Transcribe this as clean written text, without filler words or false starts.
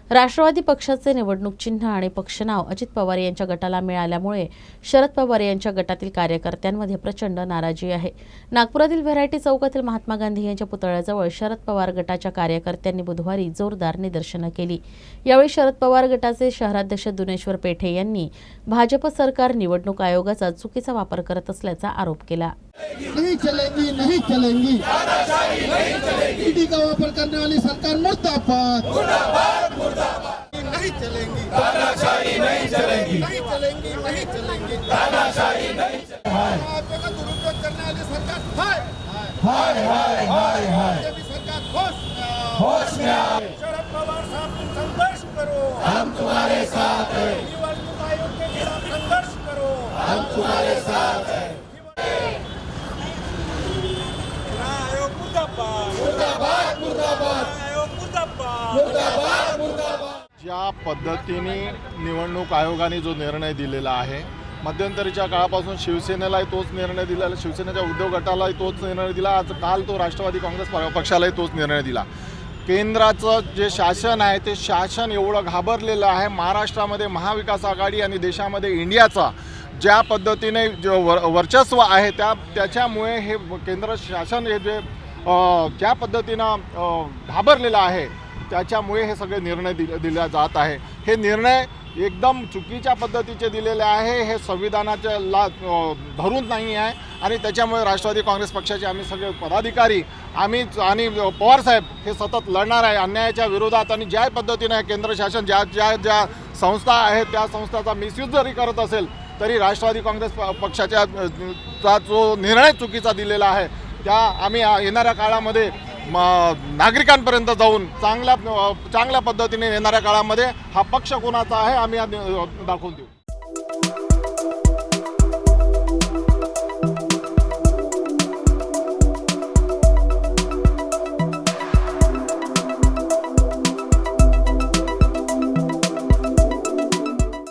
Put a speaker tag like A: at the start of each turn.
A: राष्ट्रवादी पक्षाचे निवडणूक चिन्ह आणि पक्ष नाव अजित पवार यांच्या गटाला मिळाल्यामुळे शरद पवार यांच्या गटातील कार्यकर्त्यांमध्ये प्रचंड नाराजी आहे। नागपुरातील व्हरायटी चौकातील महात्मा गांधी यांच्या पुतळ्याजवळ शरद पवार गटाच्या कार्यकर्त्यांनी बुधवारी जोरदार निदर्शनं केली। यावेळी शरद पवार गटाचे शहराध्यक्ष दुनेश्वर पेठे यांनी भाजप सरकार निवडणूक आयोगाचा चुकीचा वापर करत असल्याचा आरोप केला।
B: नहीं चलेगी, नहीं चलेगी, ईडी का वापर करने वाली सरकार मुर्दाबाद, नहीं चलेंगी, तानाशाही नहीं चलेगी, नहीं चलेंगी, नहीं चलेंगी, तानाशाही नहीं चलेगी, आपका दुरुपयोग करने वाली सरकार हाय हाय हाय हाय हाय, ये भी सरकार होश में आए। शरद पवार साहब तुम संघर्ष करो, हम तुम्हारे साथ हैं। निवडणूक आयोग के खिलाफ संघर्ष करो, हम तुम्हारे साथ हैं।
C: ज्या पद्धतीने निवडणूक आयोगाने जो निर्णय दिलेला आहे, मध्यंतरीच्या काळापासून शिवसेनेलाही तोच निर्णय दिला, शिवसेनेच्या उद्योग गटालाही तोच निर्णय दिला, आज काल तो राष्ट्रवादी काँग्रेस पक्षालाही तोच निर्णय दिला। केंद्राचं जे शासन आहे ते शासन एवढं घाबरलेलं आहे। महाराष्ट्रामध्ये महाविकास आघाडी आणि देशामध्ये इंडियाचा ज्या पद्धतीने जो वर्चस्व आहे त्याच्यामुळे हे केंद्र शासन हे जे ज्या पद्धतीनं घाबरलेलं आहे त्याच्यामुळे हे सगळे निर्णय दिले जात आहे। हे निर्णय एकदम चुकीच्या पद्धतीचे दिलेले आहे, हे संविधानाच्या धरून नाही आहे आणि त्याच्यामुळे राष्ट्रवादी काँग्रेस पक्षाचे आम्ही सगळे पदाधिकारी आणि पवारसाहेब हे सतत लढणार आहे अन्यायाच्या विरोधात। आणि ज्या पद्धतीने केंद्र शासन ज्या संस्था आहेत त्या संस्थाचा मिसयूज जरी करत असेल तरी राष्ट्रवादी काँग्रेस पक्षाचा जो निर्णय चुकीचा दिलेला आहे त्या आम्ही येणाऱ्या काळामध्ये नागरिकांपर्यंत जाऊन चांगल्या पद्धतीने येणाऱ्या काळामध्ये हा पक्ष कोणाचा आहे आम्ही दाखवून देऊ।